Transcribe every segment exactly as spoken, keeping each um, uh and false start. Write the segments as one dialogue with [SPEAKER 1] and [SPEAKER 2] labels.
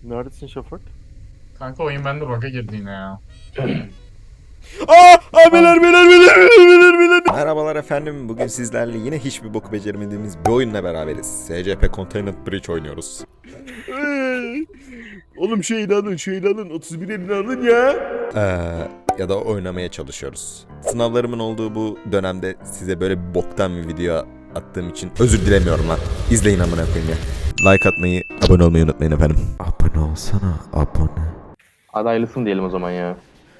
[SPEAKER 1] Neredesin Şafak?
[SPEAKER 2] Kanka oyun bende bug'a girdi yine ya.
[SPEAKER 3] Aa, abiler, beyler, beyler, beyler, beyler. Merhabalar efendim. Bugün sizlerle yine hiçbir boku beceremediğimiz bir oyunla beraberiz. S C P Containment Breach oynuyoruz. Oğlum şeyini alın, şeyini alın. otuz bir elini alın ya. Ee, ya da oynamaya çalışıyoruz. Sınavlarımın olduğu bu dönemde size böyle bir boktan bir video attığım için özür dilemiyorum lan. İzleyin amına koyayım ya. Like atmayı, abone olmayı unutmayın efendim. Abone olsana, abone.
[SPEAKER 4] Adaylısın diyelim o zaman ya.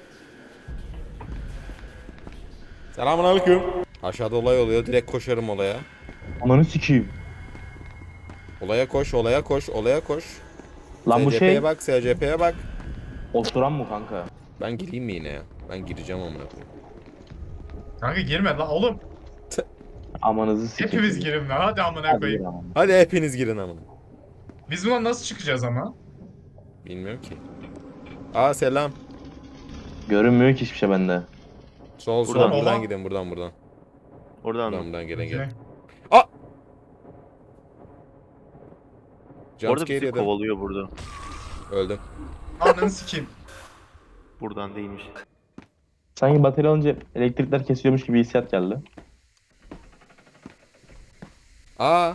[SPEAKER 3] Selamünaleyküm. Aşağıda olay oluyor. Direkt koşarım olaya.
[SPEAKER 4] Ananı sikeyim.
[SPEAKER 3] Olaya koş, olaya koş, olaya koş.
[SPEAKER 4] Lan bu
[SPEAKER 3] S C P'ye
[SPEAKER 4] şey
[SPEAKER 3] bak, S C P'ye bak.
[SPEAKER 4] oturan mı kanka?
[SPEAKER 3] Ben gireyim mi yine ya? Ben gireceğim amına koyayım.
[SPEAKER 2] Kanka girme lan oğlum.
[SPEAKER 4] Amanızı sikeyim.
[SPEAKER 2] Hepimiz girin lan hadi amına
[SPEAKER 4] Hadi
[SPEAKER 2] koyayım.
[SPEAKER 4] gir ama.
[SPEAKER 3] Hadi hepiniz girin amına.
[SPEAKER 2] Biz buna nasıl çıkacağız ama?
[SPEAKER 3] Bilmiyorum ki. Aa selam.
[SPEAKER 4] Görünmüyor ki hiçbir şey bende.
[SPEAKER 3] Sol sol
[SPEAKER 4] Buradan.
[SPEAKER 3] buradan
[SPEAKER 2] Oha.
[SPEAKER 3] gidin buradan buradan.
[SPEAKER 1] Oradan
[SPEAKER 3] Buradan
[SPEAKER 1] mı?
[SPEAKER 3] buradan gelin gelin.
[SPEAKER 2] Okey.
[SPEAKER 3] Aa!
[SPEAKER 1] Bu arada
[SPEAKER 3] Jumpscare
[SPEAKER 1] bizi
[SPEAKER 3] yedim.
[SPEAKER 1] kovalıyor burada.
[SPEAKER 3] Öldüm.
[SPEAKER 2] Ananı sikeyim.
[SPEAKER 1] Buradan değilmiş.
[SPEAKER 4] Sanki batarya alınca elektrikler kesiyormuş gibi hissiyat geldi.
[SPEAKER 3] Aa!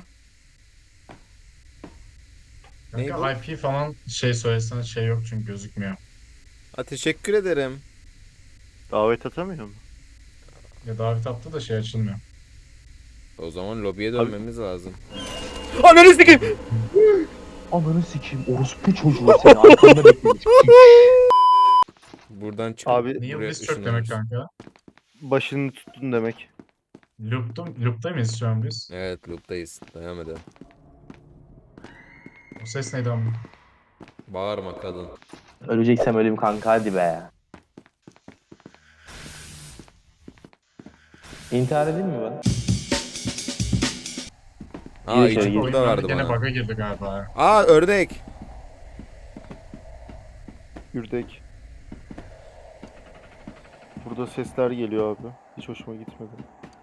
[SPEAKER 3] Ney bu?
[SPEAKER 2] Kanka I P falan şey söylesene şey yok çünkü gözükmüyor.
[SPEAKER 3] Ha, teşekkür ederim.
[SPEAKER 1] Davet atamıyor mu?
[SPEAKER 2] Ya davet attı da şey açılmıyor.
[SPEAKER 3] O zaman lobiye dönmemiz lazım.
[SPEAKER 4] Ananı sikeyim. Ananı sikeyim. Orospu çocuğu seni arkanda beklemiş.
[SPEAKER 3] Buradan çıkıp
[SPEAKER 1] Abi
[SPEAKER 2] Neil
[SPEAKER 3] buraya
[SPEAKER 2] Wistrom demek
[SPEAKER 3] ışınlanırız.
[SPEAKER 2] kanka.
[SPEAKER 1] başını tuttun demek.
[SPEAKER 2] Loop'ta, loop'ta mıyız şu an biz?
[SPEAKER 3] Evet loop'tayız. Devam edelim.
[SPEAKER 2] O ses neydi ama?
[SPEAKER 3] Bağırma kadın.
[SPEAKER 4] Öleceksem öleyim kanka hadi be. İntihar edeyim mi ben?
[SPEAKER 3] Aa
[SPEAKER 4] Gir içeri,
[SPEAKER 3] içi
[SPEAKER 4] gir.
[SPEAKER 3] burada
[SPEAKER 2] Oyun
[SPEAKER 3] vardı
[SPEAKER 2] bende gene
[SPEAKER 3] bana.
[SPEAKER 2] bug'a girdi galiba ya.
[SPEAKER 3] Aa ördek.
[SPEAKER 1] Gürdek. Burada sesler geliyor abi. Hiç hoşuma gitmedi.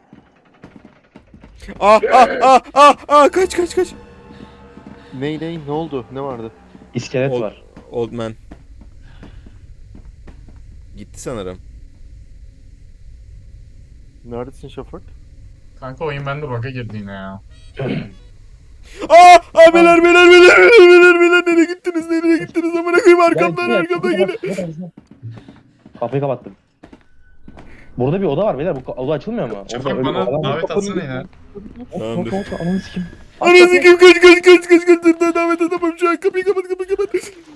[SPEAKER 3] Aa aa aa aa aa kaç kaç kaç.
[SPEAKER 1] Ney ney ne oldu? Ne vardı?
[SPEAKER 4] İskelet
[SPEAKER 3] Ol-
[SPEAKER 4] var.
[SPEAKER 3] Old man. Gitti sanırım.
[SPEAKER 1] Neredesin Şafak?
[SPEAKER 2] Kanka oyun bende bug'a girdi yine ya.
[SPEAKER 3] Aa abiler beyler beyler beyler beyler nereye gittiniz nereye gittiniz amına koyayım arkamdan
[SPEAKER 4] Gel,
[SPEAKER 3] arkamdan
[SPEAKER 4] kapıyı
[SPEAKER 3] yine.
[SPEAKER 4] kapat, kapat. Kapıyı kapattım. Burada bir oda var beyler. Bu oda açılmıyor mu?
[SPEAKER 2] Şafak
[SPEAKER 4] Orada öyle bir
[SPEAKER 2] bana
[SPEAKER 4] oda var.
[SPEAKER 2] davet atsana ya.
[SPEAKER 3] Tamamdır.
[SPEAKER 4] Kapat, kapat, ananı sikeyim.
[SPEAKER 3] Ananı kim kaç kaç kaç kaç kaç dur davet edemem şu an kapıyı kapat kapıyı kapat.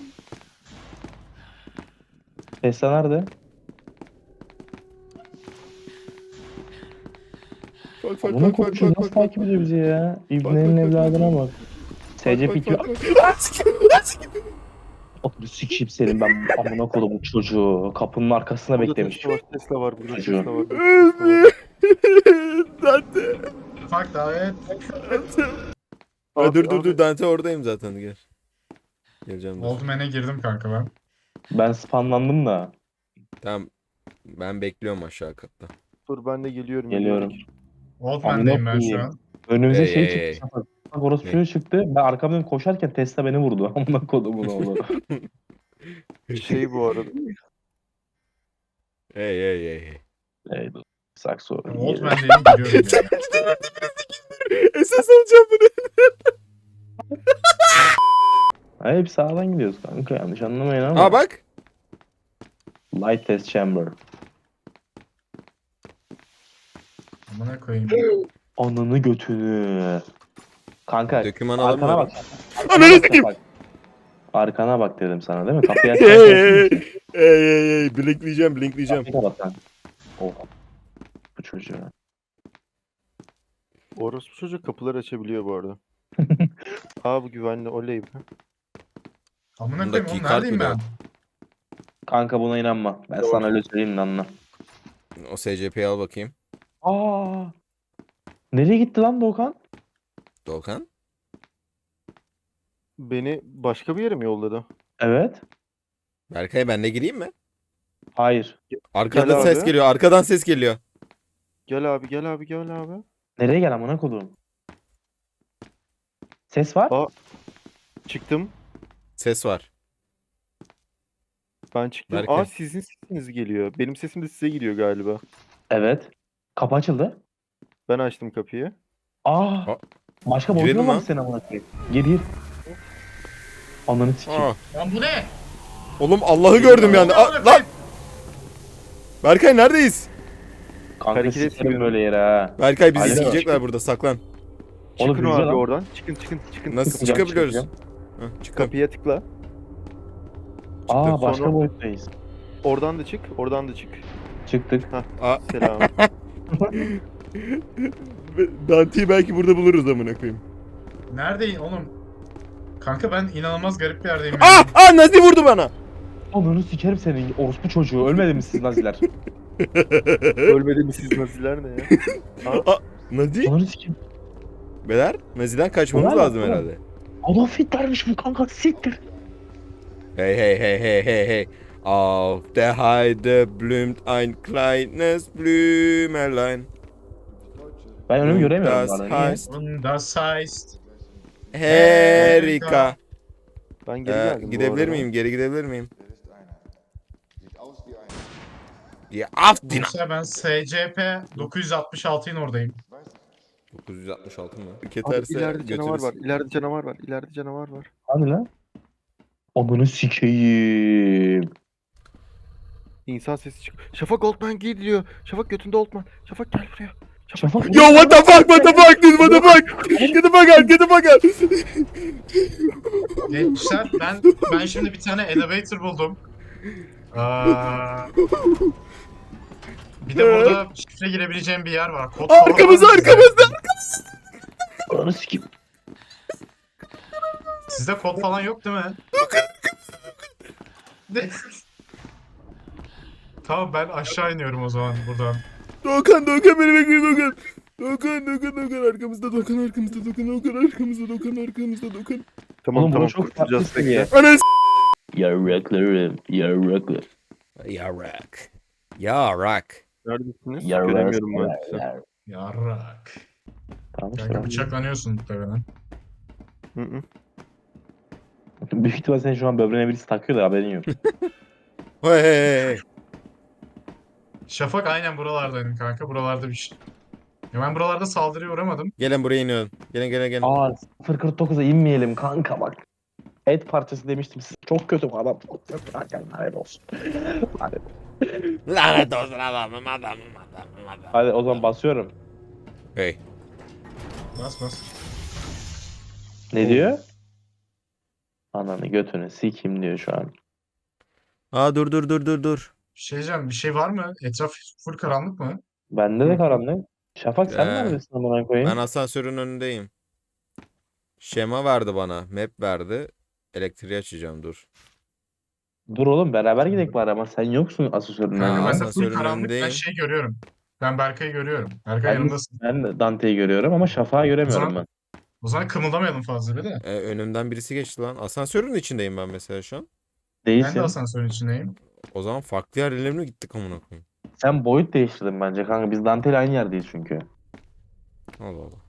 [SPEAKER 4] Tesla nerede?
[SPEAKER 3] Bak bak
[SPEAKER 4] Bunu
[SPEAKER 3] bak bak
[SPEAKER 4] konuşuyor.
[SPEAKER 3] bak
[SPEAKER 4] Nasıl
[SPEAKER 3] bak.
[SPEAKER 4] takip ediyor bizi ya? İbnenin
[SPEAKER 3] bak, bak,
[SPEAKER 4] evladına bak. S C P
[SPEAKER 3] Bak,
[SPEAKER 4] iki.
[SPEAKER 3] bak, bak.
[SPEAKER 4] Ananı sikeyim senin ben amına koydum bu çocuğu. Kapının arkasına
[SPEAKER 1] Burada
[SPEAKER 4] beklemiş.
[SPEAKER 1] Tesla var. Tesla var. Burada
[SPEAKER 4] Çocuğu.
[SPEAKER 1] Tesla var. Burada Tesla var.
[SPEAKER 3] Dante.
[SPEAKER 2] Ufak davet.
[SPEAKER 3] Ha, dur dur
[SPEAKER 1] Abi,
[SPEAKER 3] dur Dante oradayım zaten gel. Geleceğim dur.
[SPEAKER 2] Old Man'e girdim kanka ben.
[SPEAKER 4] Ben spamlandım da.
[SPEAKER 3] Tamam. Ben bekliyorum aşağı katta.
[SPEAKER 1] Dur ben de geliyorum.
[SPEAKER 4] Geliyorum.
[SPEAKER 2] Old
[SPEAKER 4] Amına
[SPEAKER 2] Man'deyim ben şu
[SPEAKER 4] koyayım.
[SPEAKER 2] an.
[SPEAKER 4] Önümüze
[SPEAKER 3] Hey,
[SPEAKER 4] şey
[SPEAKER 3] hey, hey.
[SPEAKER 4] çıktı. Şafak. Bak orası
[SPEAKER 3] Ne?
[SPEAKER 4] çocuğu çıktı. Ben arkamdan koşarken Tesla beni vurdu. Amına kodumun oğlu.
[SPEAKER 1] Şey bu arada.
[SPEAKER 3] Hey hey hey hey.
[SPEAKER 4] Ey dur. Sakso.
[SPEAKER 2] Old Man'deyim giriyorum yani.
[SPEAKER 3] Esas alacağım bunu.
[SPEAKER 4] Ha, hep sağdan gidiyoruz kanka yanlış anlamayın ama.
[SPEAKER 3] Aa bak.
[SPEAKER 4] Light test chamber.
[SPEAKER 2] Amına koyayım.
[SPEAKER 4] Ananı götünü. Kanka
[SPEAKER 3] Döküman
[SPEAKER 4] arkana
[SPEAKER 3] alamıyorum.
[SPEAKER 4] bak.
[SPEAKER 3] Ananı
[SPEAKER 4] Arkana
[SPEAKER 3] sikeyim.
[SPEAKER 4] bak. Arkana bak dedim sana değil mi? Kapıyı
[SPEAKER 3] Hey hey hey.
[SPEAKER 4] açarken.
[SPEAKER 3] Hey hey hey. Blinkleyeceğim blinkleyeceğim.
[SPEAKER 4] Kapıyı kapat lan. Oh. Bu çocuğu.
[SPEAKER 1] Orospu çocuk kapıları açabiliyor bu arada. Aa bu güvenli oley be.
[SPEAKER 2] Amına
[SPEAKER 3] Bundaki
[SPEAKER 2] koyayım oğlum
[SPEAKER 3] kart
[SPEAKER 2] neredeyim
[SPEAKER 3] bile
[SPEAKER 2] ben?
[SPEAKER 3] yok.
[SPEAKER 4] Kanka buna inanma. Ben
[SPEAKER 1] Doğru.
[SPEAKER 4] sana öyle söyleyeyim de anla.
[SPEAKER 3] O S C P'yi al bakayım.
[SPEAKER 4] Aa. Nereye gitti lan Doğukan?
[SPEAKER 3] Doğukan.
[SPEAKER 1] Beni başka bir yere mi yolladı?
[SPEAKER 4] Evet.
[SPEAKER 3] Berkay ben de gireyim mi?
[SPEAKER 4] Hayır.
[SPEAKER 3] Arkadan
[SPEAKER 1] Gel
[SPEAKER 3] ses
[SPEAKER 1] abi.
[SPEAKER 3] geliyor. Arkadan ses geliyor.
[SPEAKER 1] Gel abi gel abi gel abi.
[SPEAKER 4] Nereye gel amına kodum? Ses var.
[SPEAKER 1] Aa çıktım.
[SPEAKER 3] Ses var.
[SPEAKER 1] Ben çıktım.
[SPEAKER 3] Berkay.
[SPEAKER 1] Aa sizin sesiniz geliyor. Benim sesim de size gidiyor galiba.
[SPEAKER 4] Evet. Kapı açıldı.
[SPEAKER 1] Ben açtım kapıyı.
[SPEAKER 4] Aa.
[SPEAKER 3] Aa.
[SPEAKER 4] Başka
[SPEAKER 3] Girelim
[SPEAKER 4] boyutun var
[SPEAKER 3] lan.
[SPEAKER 4] mı senin amına koyayım? Gir gir. Ananı sikeyim.
[SPEAKER 3] Aa.
[SPEAKER 2] Lan bu ne?
[SPEAKER 3] Oğlum Allah'ı gördüm yani. Aa, lan. Berkay neredeyiz?
[SPEAKER 4] Kanka
[SPEAKER 1] Hareket
[SPEAKER 4] sikerim
[SPEAKER 1] etmiyorum.
[SPEAKER 4] böyle yere ha.
[SPEAKER 3] Berkay bizi
[SPEAKER 4] Alo.
[SPEAKER 3] sikecekler burada, saklan.
[SPEAKER 4] Oğlum
[SPEAKER 1] Çıkın
[SPEAKER 4] bize
[SPEAKER 1] abi
[SPEAKER 4] lan.
[SPEAKER 1] oradan. Çıkın çıkın çıkın.
[SPEAKER 3] Nasıl
[SPEAKER 4] Çıkacağım,
[SPEAKER 3] çıkabiliyoruz?
[SPEAKER 4] çıkacağım.
[SPEAKER 3] Hah, çıktım.
[SPEAKER 1] Kapıya tıkla.
[SPEAKER 4] Aa başka
[SPEAKER 1] Sonra-
[SPEAKER 4] boyuttayız.
[SPEAKER 1] Oradan da çık. Oradan da çık.
[SPEAKER 4] Çıktık.
[SPEAKER 3] Aa.
[SPEAKER 1] Selam.
[SPEAKER 3] Dante'yi belki burada buluruz amına koyayım.
[SPEAKER 2] Neredeyim oğlum? Kanka ben inanılmaz garip bir yerdeyim.
[SPEAKER 3] Aa!
[SPEAKER 2] ya.
[SPEAKER 3] Aa Nazi vurdu bana.
[SPEAKER 4] Ananı sikerim senin orospu çocuğu. Ölmedi mi siz naziler?
[SPEAKER 1] Ölmedi mi siz naziler ne ya?
[SPEAKER 3] Aa, Nazi?
[SPEAKER 4] Ananı sikeyim.
[SPEAKER 3] Beyler, Nazi'den kaçmamız
[SPEAKER 4] Ulan,
[SPEAKER 3] lazım
[SPEAKER 4] ulan.
[SPEAKER 3] herhalde.
[SPEAKER 4] Adolf Hitler'miş bu kanka siktir.
[SPEAKER 3] Hey hey hey hey hey hey. Auf der Heide blüht ein kleines Blümelein.
[SPEAKER 4] Ben önümü göremiyorum.
[SPEAKER 3] Das
[SPEAKER 4] bana, niye?
[SPEAKER 3] heißt
[SPEAKER 2] Und das heißt.
[SPEAKER 3] Erika.
[SPEAKER 1] Ben geri
[SPEAKER 3] Ee,
[SPEAKER 1] geldim bu
[SPEAKER 3] gidebilir
[SPEAKER 1] arada.
[SPEAKER 3] miyim? Geri gidebilir miyim? Ya af dina.
[SPEAKER 2] Mesela ben S C P dokuz yüz altmış altının oradayım.
[SPEAKER 3] dokuz yüz altmış altı mı?
[SPEAKER 1] Abi
[SPEAKER 3] Keterse
[SPEAKER 1] ileride canavar
[SPEAKER 3] götürürüz.
[SPEAKER 1] var. İleride canavar var. İleride canavar var.
[SPEAKER 4] Hadi lan. Ananı sikeyim.
[SPEAKER 1] İnsan sesi çık. Şafak Oldman geliyor. Şafak götünde Oldman. Şafak gel buraya.
[SPEAKER 4] Şafak.
[SPEAKER 3] Yo what the fuck, what the fuck, dude, what the fuck? Get the fuck out, get the fuck out.
[SPEAKER 2] Gençler ben ben şimdi bir tane elevator buldum. Aa, bir de burada şifre girebileceğim bir yer var. Kod falan
[SPEAKER 3] Arkamızda,
[SPEAKER 2] var mı sizde?
[SPEAKER 3] arkamızda.
[SPEAKER 4] Ananı sikeyim.
[SPEAKER 2] Sizde kod falan yok değil mi? Ne? Tamam ben aşağı iniyorum o zaman buradan.
[SPEAKER 3] Doğukan, Doğukan beni bekliyor Doğukan. Doğukan, Doğukan, Doğukan arkamızda, Doğukan arkamızda, Doğukan, Doğukan arkamızda, Doğukan arkamızda, Doğukan.
[SPEAKER 1] Tamam
[SPEAKER 4] Oğlum,
[SPEAKER 1] tamam
[SPEAKER 4] bu çok
[SPEAKER 1] kurtulacağız
[SPEAKER 4] farklı seviye.
[SPEAKER 1] bekle.
[SPEAKER 3] Ananı s***.
[SPEAKER 4] Yarraklarım. Yarraklarım.
[SPEAKER 3] Yarak. Yarak.
[SPEAKER 1] Neredesiniz?
[SPEAKER 4] Yarrak.
[SPEAKER 1] Göremiyorum ben sizi.
[SPEAKER 2] Yarrak.
[SPEAKER 4] Tamam işte.
[SPEAKER 2] Kanka bıçaklanıyorsun muhtemelen.
[SPEAKER 1] Hı hı.
[SPEAKER 4] Büyük ihtimal sen şu an böbreğine birisi takıyor da haberin yok.
[SPEAKER 3] Hey hey hey.
[SPEAKER 2] Şafak aynen buralardaydım kanka. Buralarda bir şey. Ya ben buralarda saldırıya uğramadım.
[SPEAKER 3] Gelin buraya iniyorum. Gelin gelin gelin.
[SPEAKER 4] Aa sıfır kırk dokuza inmeyelim kanka bak. Et parçası demiştim size. Çok kötü bu adam. Çok kötü. Hadi hayır olsun. Hadi.
[SPEAKER 3] Lanet olsun adamım adamım adamım adamım.
[SPEAKER 4] Hadi o zaman basıyorum.
[SPEAKER 3] Hey.
[SPEAKER 2] Bas bas.
[SPEAKER 4] Ne diyor? Ananı götünü sikeyim diyor şu an.
[SPEAKER 3] Aa dur dur dur dur dur.
[SPEAKER 2] Bir şey diyeceğim. Bir şey var mı? Etraf full karanlık mı?
[SPEAKER 4] Bende de karanlık. Şafak sen
[SPEAKER 3] Ee,
[SPEAKER 4] neredesin amına koyayım?
[SPEAKER 3] Ben asansörün önündeyim. Şema verdi bana. Map verdi. Elektriği açacağım dur.
[SPEAKER 4] Dur oğlum beraber gidelim bari ama sen yoksun asansörün
[SPEAKER 3] Ha,
[SPEAKER 2] Kanka
[SPEAKER 4] önünde.
[SPEAKER 2] ben de full
[SPEAKER 3] asansörün
[SPEAKER 2] karanlık. Ben
[SPEAKER 3] önündeyim.
[SPEAKER 2] şey görüyorum. Ben Berkay'ı görüyorum. Berkay
[SPEAKER 4] Ben,
[SPEAKER 2] yanındasın.
[SPEAKER 4] ben de Dante'yi görüyorum ama Şafak'ı göremiyorum
[SPEAKER 2] zaman-
[SPEAKER 4] ben.
[SPEAKER 2] O zaman kımıldamayalım fazla bir de.
[SPEAKER 3] Ee, önümden birisi geçti lan. Asansörün içindeyim ben mesela şu an.
[SPEAKER 2] Ben
[SPEAKER 4] Değilsin.
[SPEAKER 2] de asansörün içindeyim.
[SPEAKER 3] O zaman farklı yerlere mi gittik amına koyayım?
[SPEAKER 4] Sen boyut değiştirdin bence kanka. Biz Dante ile aynı yerdeyiz çünkü.
[SPEAKER 3] Allah Allah.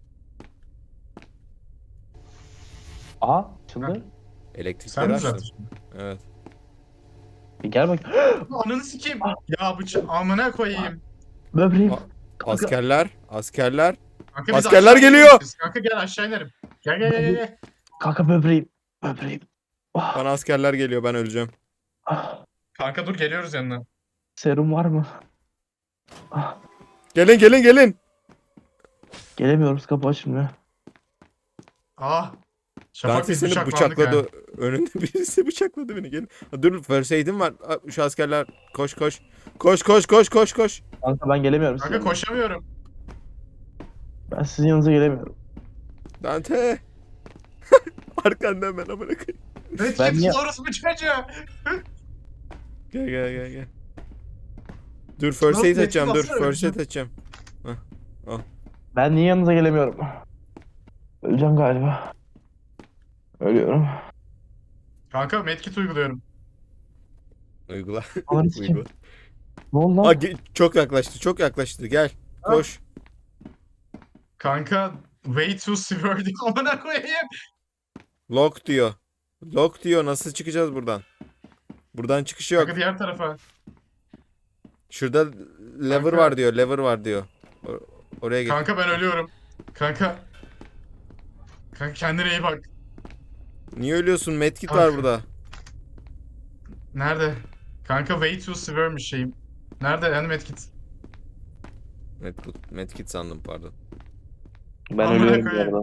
[SPEAKER 4] Aha açıldı.
[SPEAKER 2] Sen
[SPEAKER 3] Elektrikleri
[SPEAKER 2] mi
[SPEAKER 3] açtım.
[SPEAKER 2] zaten?
[SPEAKER 3] Evet.
[SPEAKER 4] Bir gel bak.
[SPEAKER 2] Ananı sikeyim. Ya bıçak amına koyayım.
[SPEAKER 4] Böbreğim.
[SPEAKER 3] Aa, Askerler, askerler.
[SPEAKER 2] Kanka biz
[SPEAKER 3] Askerler
[SPEAKER 2] aşağı
[SPEAKER 3] geliyor.
[SPEAKER 2] ineriz. Kanka gel aşağı inerim. Gel gel gel gel, gel.
[SPEAKER 4] Kanka böbreğim. Böbreğim. Ah,
[SPEAKER 3] Bana askerler geliyor, ben öleceğim.
[SPEAKER 4] ah.
[SPEAKER 2] Kanka dur geliyoruz yanına.
[SPEAKER 4] Serum var mı? Ah.
[SPEAKER 3] Gelin gelin gelin.
[SPEAKER 4] Gelemiyoruz kapı açılmıyor.
[SPEAKER 2] Ah. Şafak
[SPEAKER 3] Dante
[SPEAKER 2] biz
[SPEAKER 3] seni
[SPEAKER 2] bıçaklandık
[SPEAKER 3] bıçakladı.
[SPEAKER 2] ha.
[SPEAKER 3] Önünde birisi bıçakladı beni. Gelin. Ha, dur first aid'im var. Ha, şu askerler koş koş. Koş koş koş koş koş.
[SPEAKER 4] Kanka ben gelemiyorum.
[SPEAKER 2] Kanka
[SPEAKER 4] sizin-
[SPEAKER 2] koşamıyorum.
[SPEAKER 4] Ben sizin yanınıza gelemiyorum.
[SPEAKER 3] Dante. Arkandan ben amına koyayım.
[SPEAKER 2] Ne
[SPEAKER 4] Ben niye-
[SPEAKER 2] kimsin orası bıçacı?
[SPEAKER 3] Gel gel gel gel. Dur first
[SPEAKER 2] Nasıl
[SPEAKER 3] aid açacağım. Dur
[SPEAKER 2] geçti,
[SPEAKER 3] first aid
[SPEAKER 2] nasıl
[SPEAKER 3] açacağım.
[SPEAKER 4] Ben niye yanınıza gelemiyorum? Öleceğim galiba. Ölüyorum.
[SPEAKER 2] Kanka medkit uyguluyorum.
[SPEAKER 3] Uygula.
[SPEAKER 4] Ananı sikeyim.
[SPEAKER 3] Uygula.
[SPEAKER 4] Ne oldu lan?
[SPEAKER 3] Aa, ge- çok yaklaştı. Çok yaklaştı. Gel. Koş.
[SPEAKER 2] Kanka way too severe diye amına koyayım.
[SPEAKER 3] Lock diyor. Lock diyor. Nasıl çıkacağız buradan? Buradan çıkış yok.
[SPEAKER 2] Kanka diğer tarafa.
[SPEAKER 3] Şurada lever
[SPEAKER 2] Kanka.
[SPEAKER 3] var diyor. Lever var diyor. O- oraya git.
[SPEAKER 2] Kanka ben ölüyorum. Kanka. Kanka kendine iyi bak.
[SPEAKER 3] Niye ölüyorsun? Medkit var
[SPEAKER 2] Kanka.
[SPEAKER 3] burada.
[SPEAKER 2] Nerede? Kanka way too severe'miş şeyim. Nerede yani medkit?
[SPEAKER 3] Medkit, medkit sandım pardon.
[SPEAKER 4] Ben
[SPEAKER 2] Amına
[SPEAKER 4] ölüyorum bu
[SPEAKER 2] koyayım.
[SPEAKER 4] arada.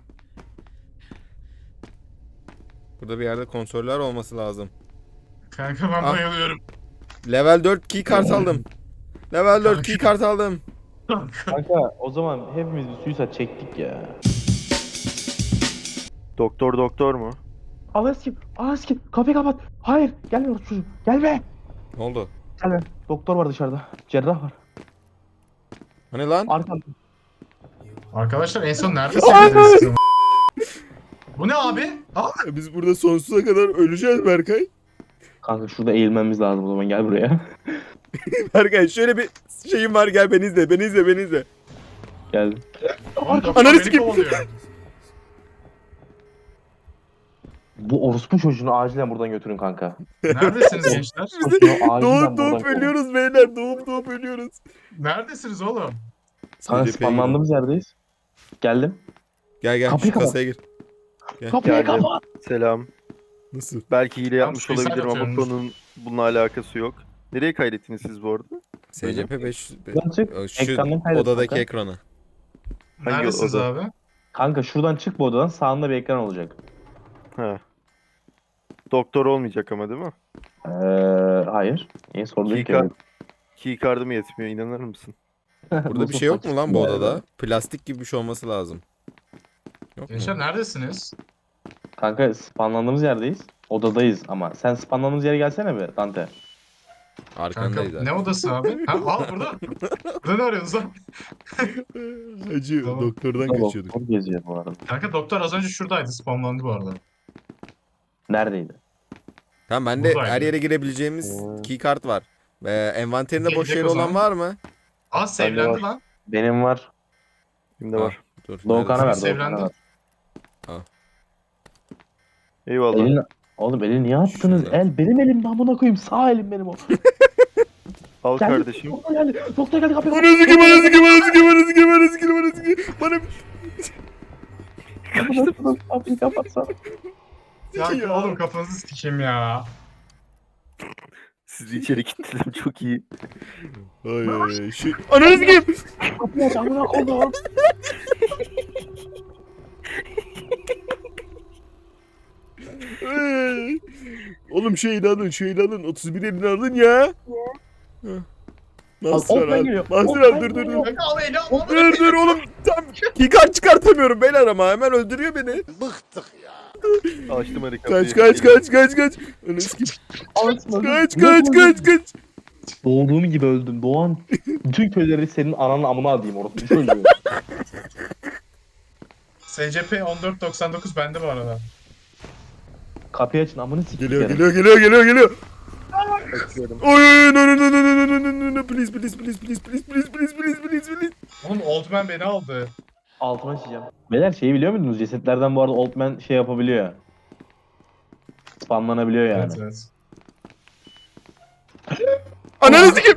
[SPEAKER 3] Burada bir yerde konsollar olması lazım.
[SPEAKER 2] Kanka ben
[SPEAKER 3] Ah.
[SPEAKER 2] bayılıyorum.
[SPEAKER 3] Level dört key kart aldım. Level dört key kart aldım.
[SPEAKER 2] Kanka.
[SPEAKER 4] Kanka o zaman hepimiz bir suicide çektik ya.
[SPEAKER 1] Doktor doktor mu?
[SPEAKER 4] Alas kim? Alas kim? Kapıyı kapat. Hayır gelme orası çocuğum. Gelme.
[SPEAKER 3] Ne oldu?
[SPEAKER 4] Gelme. Doktor var dışarıda. Cerrah var.
[SPEAKER 3] Hani lan?
[SPEAKER 4] Arkamda.
[SPEAKER 2] Arkadaşlar en son neredesiniz siz? Bu ne abi? Aa,
[SPEAKER 3] Biz burada sonsuza kadar öleceğiz Berkay.
[SPEAKER 4] Kanka şurada eğilmemiz lazım o zaman gel buraya.
[SPEAKER 3] Berkay şöyle bir şeyim var, gel beni izle, beni izle, beni izle.
[SPEAKER 4] Geldim.
[SPEAKER 2] oğlum doktor
[SPEAKER 3] Ananı
[SPEAKER 2] beni
[SPEAKER 3] sikeyim.
[SPEAKER 2] kovalıyor.
[SPEAKER 4] Bu orospu çocuğunu acilen buradan götürün kanka.
[SPEAKER 2] Neredesiniz gençler?
[SPEAKER 4] Çocuğunu acilen
[SPEAKER 3] Doğup
[SPEAKER 4] buradan
[SPEAKER 3] doğup
[SPEAKER 4] kovun.
[SPEAKER 3] ölüyoruz beyler, doğup doğup ölüyoruz.
[SPEAKER 2] Neredesiniz oğlum?
[SPEAKER 4] Kanka
[SPEAKER 3] S C P'ye
[SPEAKER 4] spamlandığımız yerdeyiz. Geldim.
[SPEAKER 3] Gel gel
[SPEAKER 4] Kapıyı
[SPEAKER 3] şu
[SPEAKER 4] kapat.
[SPEAKER 3] kasaya gir. Gel.
[SPEAKER 4] Kapıyı
[SPEAKER 1] Geldim.
[SPEAKER 4] kapat.
[SPEAKER 1] Selam.
[SPEAKER 3] Nasıl?
[SPEAKER 1] Belki hile yapmış
[SPEAKER 2] suicide
[SPEAKER 1] olabilirim ama
[SPEAKER 2] atıyormuş.
[SPEAKER 1] konunun bununla alakası yok. Nereye kaydettiniz siz bu arada?
[SPEAKER 3] S C P beş yüz.
[SPEAKER 4] Buradan çık.
[SPEAKER 3] Şu
[SPEAKER 4] Ekrandan kaydet
[SPEAKER 3] odadaki
[SPEAKER 4] kanka.
[SPEAKER 3] ekrana.
[SPEAKER 1] Hangi
[SPEAKER 2] Neredesiniz
[SPEAKER 1] oda?
[SPEAKER 2] abi?
[SPEAKER 4] Kanka şuradan çık bu odadan sağında bir ekran olacak.
[SPEAKER 1] Ha. Doktor olmayacak ama değil mi?
[SPEAKER 4] Ee, hayır. Niye sordun ki?
[SPEAKER 1] Keycard, keycard'ım yetmiyor, inanır mısın?
[SPEAKER 3] Burada bir şey yok mu lan bu odada? Plastik gibi bir şey olması lazım. Yok mu?
[SPEAKER 2] Gençler neredesiniz?
[SPEAKER 4] Kanka spawnlandığımız yerdeyiz. Odadayız ama. Sen spawnlandığımız yere gelsene be Dante.
[SPEAKER 2] Kanka
[SPEAKER 3] Arkandayız
[SPEAKER 2] ne
[SPEAKER 3] zaten.
[SPEAKER 2] odası abi? Ha, al burada. Burada ne arıyorsunuz lan?
[SPEAKER 3] Hacı
[SPEAKER 2] Tamam.
[SPEAKER 3] doktordan
[SPEAKER 4] Burada
[SPEAKER 3] kaçıyorduk.
[SPEAKER 4] doktor geziyor bu arada.
[SPEAKER 2] Kanka doktor az önce şuradaydı. Spamlandı bu arada.
[SPEAKER 4] Neredeydi?
[SPEAKER 3] Tamam bende
[SPEAKER 2] Buradaydı.
[SPEAKER 3] her yere girebileceğimiz
[SPEAKER 1] Hmm.
[SPEAKER 3] keycard var. Ee, envanterinde boş
[SPEAKER 2] Gelecek
[SPEAKER 3] yeri
[SPEAKER 2] o
[SPEAKER 3] olan
[SPEAKER 2] zaman.
[SPEAKER 3] var mı?
[SPEAKER 2] Aa
[SPEAKER 4] var.
[SPEAKER 2] sevlendi lan.
[SPEAKER 4] Benim var.
[SPEAKER 1] Kimde
[SPEAKER 3] Ha.
[SPEAKER 1] var?
[SPEAKER 3] Dur.
[SPEAKER 4] Doğukan'a ver.
[SPEAKER 3] neredesin?
[SPEAKER 2] Sevlendi.
[SPEAKER 4] Doğukan'a ver.
[SPEAKER 1] Eyvallah.
[SPEAKER 4] Elini... Oğlum eli niye attınız?
[SPEAKER 3] Şurada.
[SPEAKER 4] El benim elim amına koyayım. Sağ elim benim o.
[SPEAKER 1] Al
[SPEAKER 4] Geldi.
[SPEAKER 1] kardeşim.
[SPEAKER 4] Doktor geldi. Doktor geldi kapıyı
[SPEAKER 3] Bana zıkı bana zıkı bana zıkı bana zıkı bana zıkı bana zıkı. Bana
[SPEAKER 4] kapat. Kapıyı kapatsana.
[SPEAKER 2] Ya oğlum kafanızı sikeyim ya.
[SPEAKER 1] Sizi içeri kilitledim, çok iyi.
[SPEAKER 3] Ay ay şu ananı sikeyim.
[SPEAKER 4] Kapıyı aç amına koyayım.
[SPEAKER 3] Ay. Oğlum şeyini alın şeyini alın otuz bir elini alın ya. Nasıl
[SPEAKER 4] Al, Open
[SPEAKER 3] al?
[SPEAKER 4] geliyor.
[SPEAKER 3] Nasıl
[SPEAKER 4] Open
[SPEAKER 3] al? Dur dur dur.
[SPEAKER 4] geliyor.
[SPEAKER 2] Kanka al eli al. al.
[SPEAKER 3] Dur dur oğlum tam keycard çıkartamıyorum beyler ama hemen öldürüyor beni.
[SPEAKER 1] Açtım hadi kapıyı.
[SPEAKER 3] Kaç kaç kaç kaç kaç. Ananı sikeyim.
[SPEAKER 4] Açma.
[SPEAKER 3] Kaç kaç kaç kaç.
[SPEAKER 4] Doğduğum gibi öldüm. Doğan bütün köyleri senin ananın amına adayım orası. Çocuğu.
[SPEAKER 2] S C P on dört doksan dokuz bende bu arada.
[SPEAKER 4] Kapıyı açın amını sikeyim.
[SPEAKER 3] Geliyor geliyor geliyor geliyor geliyor.
[SPEAKER 1] Açıyorum.
[SPEAKER 3] Oy no no no no no no no no no please please please please please please please please please please.
[SPEAKER 2] Oğlum Old Man beni aldı.
[SPEAKER 4] Altıma açacağım. Beyler şeyi biliyor muydunuz? Cesetlerden bu arada Old Man şey yapabiliyor. Spamlanabiliyor yani.
[SPEAKER 2] Evet evet.
[SPEAKER 3] Ananı sikeyim.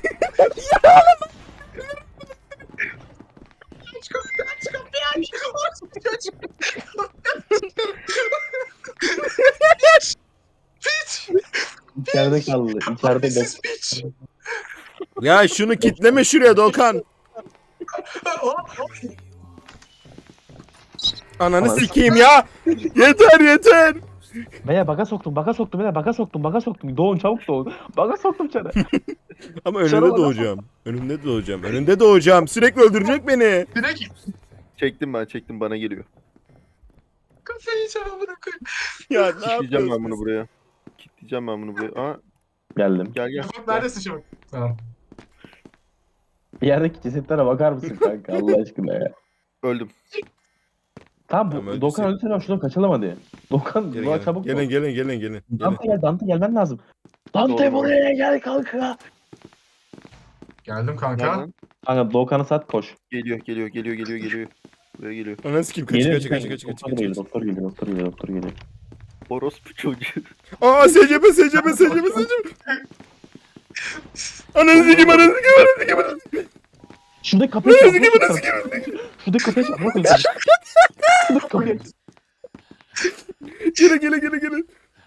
[SPEAKER 2] Aç kapıyı aç kapıyı aç. Aç aç. Piç. Piç.
[SPEAKER 4] İçeride kaldı. İçeride de.
[SPEAKER 2] Hapisiz piç.
[SPEAKER 3] Ya şunu kitleme şuraya Doğukan. Ananı
[SPEAKER 4] Ananı
[SPEAKER 3] sikeyim ya. Yeter yeter.
[SPEAKER 4] Beyler baka soktum, baka soktum, beyler baka soktum, baka soktum. Doğun çabuk doğun. Baka soktum içeri.
[SPEAKER 3] Ama
[SPEAKER 4] Dışarı
[SPEAKER 3] önünde
[SPEAKER 4] bak.
[SPEAKER 3] doğacağım. Önünde doğacağım. Önünde doğacağım. Sürekli öldürecek beni.
[SPEAKER 2] Direkt
[SPEAKER 1] Çektim ben, çektim, bana geliyor.
[SPEAKER 2] kafayı yiyeceğim amına koyayım.
[SPEAKER 3] Ya ne
[SPEAKER 1] Kilitleyeceğim ben bunu
[SPEAKER 3] yapıyorsun?
[SPEAKER 1] buraya. Kilitleyeceğim ben bunu buraya. Aa,
[SPEAKER 4] Geldim.
[SPEAKER 1] gel gel.
[SPEAKER 2] Şafak neredesin Şafak? Tamam.
[SPEAKER 4] Bir yerdeki cesetlere bakar mısın kanka Allah aşkına ya.
[SPEAKER 1] Öldüm.
[SPEAKER 4] Tamam
[SPEAKER 3] Tamam,
[SPEAKER 4] bu
[SPEAKER 3] öldü
[SPEAKER 4] Dokan
[SPEAKER 3] sen.
[SPEAKER 4] öldü sen şuradan kaçalım hadi. Dokan
[SPEAKER 3] Gelin
[SPEAKER 4] buna
[SPEAKER 3] gelin.
[SPEAKER 4] çabuk
[SPEAKER 3] Gelin
[SPEAKER 4] ol.
[SPEAKER 3] gelin gelin gelin. gelin.
[SPEAKER 4] Dante gel Dante gelmen lazım. Dante
[SPEAKER 1] Doğru,
[SPEAKER 4] buraya gel kanka.
[SPEAKER 2] Geldim kanka.
[SPEAKER 1] Nereden?
[SPEAKER 4] Kanka Dokan'ı sat koş.
[SPEAKER 1] Geliyor, geliyor, geliyor, geliyor, geliyor. Buraya geliyor.
[SPEAKER 3] Ananı sikeyim. Kaç
[SPEAKER 4] Geliyor,
[SPEAKER 3] kaç kaç
[SPEAKER 4] geliyor.
[SPEAKER 3] kaç kaç
[SPEAKER 4] Doktor
[SPEAKER 3] kaç.
[SPEAKER 4] geliyor,
[SPEAKER 3] kaç.
[SPEAKER 4] doktor geliyor, doktor geliyor, doktor geliyor.
[SPEAKER 1] Orospu çocuğu.
[SPEAKER 3] Aa S C P S C P S C P S C P. Ananı sikeyim ananı sikeyim ananı sikeyim ananı sikeyim.
[SPEAKER 4] Şuradaki kapıyı aç.
[SPEAKER 3] Ananı sikeyim ananı sikeyim.
[SPEAKER 4] Şuradaki kapıyı aç. Şuradaki kapıyı aç.
[SPEAKER 3] Gele gele gele gele.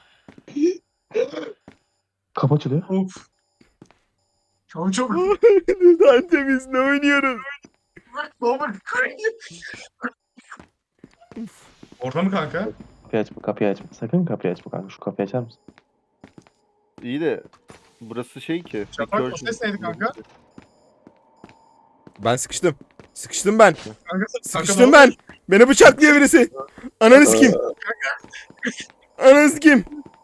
[SPEAKER 4] Kapı açılıyor.
[SPEAKER 2] Of. Çok çok.
[SPEAKER 3] Dante biz ne oynuyoruz?
[SPEAKER 2] Baba. Orada mı kanka?
[SPEAKER 4] Kapıyı açma, kapıyı açma. Sakın kapıyı açma kanka. Şu kapıyı açar mısın?
[SPEAKER 1] İyi de burası şey ki.
[SPEAKER 2] Şafak, o
[SPEAKER 1] recursion.
[SPEAKER 2] ses neydi kanka?
[SPEAKER 3] Ben sıkıştım. Sıkıştım ben.
[SPEAKER 2] Kanka,
[SPEAKER 3] Sıkıştım ben. Beni bıçaklıyor birisi. Ananı sikeyim. Ananı sikeyim.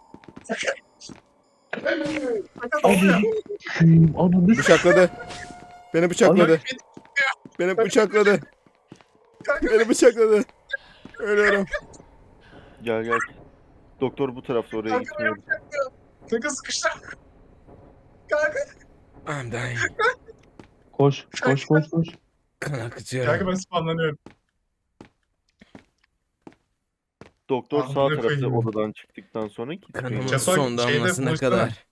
[SPEAKER 4] Ananı
[SPEAKER 3] Bıçakladı. Beni bıçakladı. Beni bıçakladı. Beni bıçakladı. Ölüyorum.
[SPEAKER 1] Gel gel. Doktor bu tarafta, oraya
[SPEAKER 2] Kanka,
[SPEAKER 1] gitmiyor.
[SPEAKER 2] Kanka sıkıştı. Kanka.
[SPEAKER 3] I'm dying.
[SPEAKER 4] Koş, koş, koş, koş.
[SPEAKER 3] Kan
[SPEAKER 2] Kanka
[SPEAKER 3] akıtıyorum.
[SPEAKER 2] ben spamlanıyorum.
[SPEAKER 1] Doktor
[SPEAKER 2] Ah,
[SPEAKER 1] sağ
[SPEAKER 2] ne
[SPEAKER 1] tarafta
[SPEAKER 2] koyayım.
[SPEAKER 1] odadan çıktıktan sonra gitmiyor.
[SPEAKER 3] Kanımın
[SPEAKER 2] Şafak,
[SPEAKER 3] son
[SPEAKER 2] şeyde
[SPEAKER 3] damlasına
[SPEAKER 2] buluşsana.
[SPEAKER 3] kadar.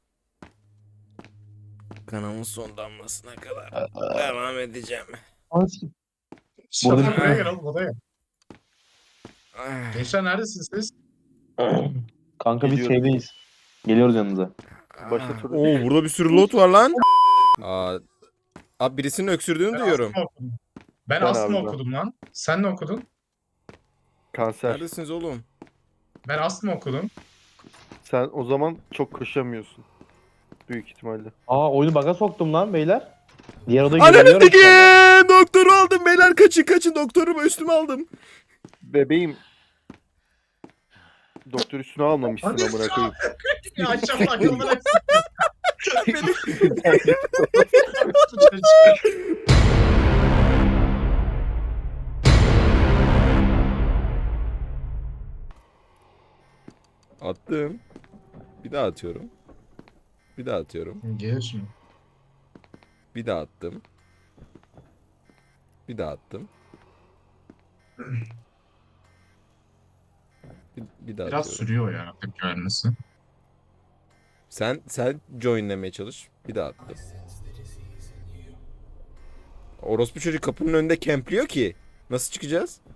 [SPEAKER 3] Kanımın son damlasına kadar. Devam edeceğim.
[SPEAKER 4] Anasını.
[SPEAKER 2] Şafak
[SPEAKER 4] Burada-
[SPEAKER 2] buraya gel oğlum odaya.
[SPEAKER 3] Ah,
[SPEAKER 2] Gençler neredesiniz siz?
[SPEAKER 4] Kanka biz
[SPEAKER 1] Geliyorum.
[SPEAKER 4] şeydeyiz. Geliyoruz yanınıza.
[SPEAKER 1] Başta
[SPEAKER 3] ah.
[SPEAKER 1] soru-
[SPEAKER 3] Oo burada bir sürü lot var lan. Aa, abi birisinin öksürdüğünü duyuyorum.
[SPEAKER 2] astım okudum. Ben,
[SPEAKER 1] Ben
[SPEAKER 2] astım
[SPEAKER 1] abi, ben.
[SPEAKER 2] okudum lan. Sen ne okudun?
[SPEAKER 1] Kanser.
[SPEAKER 3] Neredesiniz oğlum?
[SPEAKER 2] Ben astım okudum.
[SPEAKER 1] Sen o zaman çok koşamıyorsun. Büyük ihtimalle.
[SPEAKER 4] Aa oyunu baga soktum lan beyler. Diğer odaya
[SPEAKER 3] Ananı
[SPEAKER 4] girebiliyorum şu anda.
[SPEAKER 3] sikeyim. Doktoru aldım beyler, kaçın kaçın, doktorumu üstüme aldım.
[SPEAKER 1] Bebeğim. Doktor üstüne almamışsın
[SPEAKER 2] Hadi
[SPEAKER 1] amına koyayım.
[SPEAKER 2] Ya Şafak yoldan
[SPEAKER 3] Attım. Bir daha atıyorum. Bir daha atıyorum.
[SPEAKER 2] Gelir şimdi.
[SPEAKER 3] Bir daha attım. Bir daha attım. Bir, bir daha
[SPEAKER 2] Biraz
[SPEAKER 3] atıyorum.
[SPEAKER 2] sürüyor ya tepki vermesi.
[SPEAKER 3] Sen sen joinlemeye çalış. Bir daha attım. Orospu çocuk kapının önünde kempliyor ki. Nasıl çıkacağız?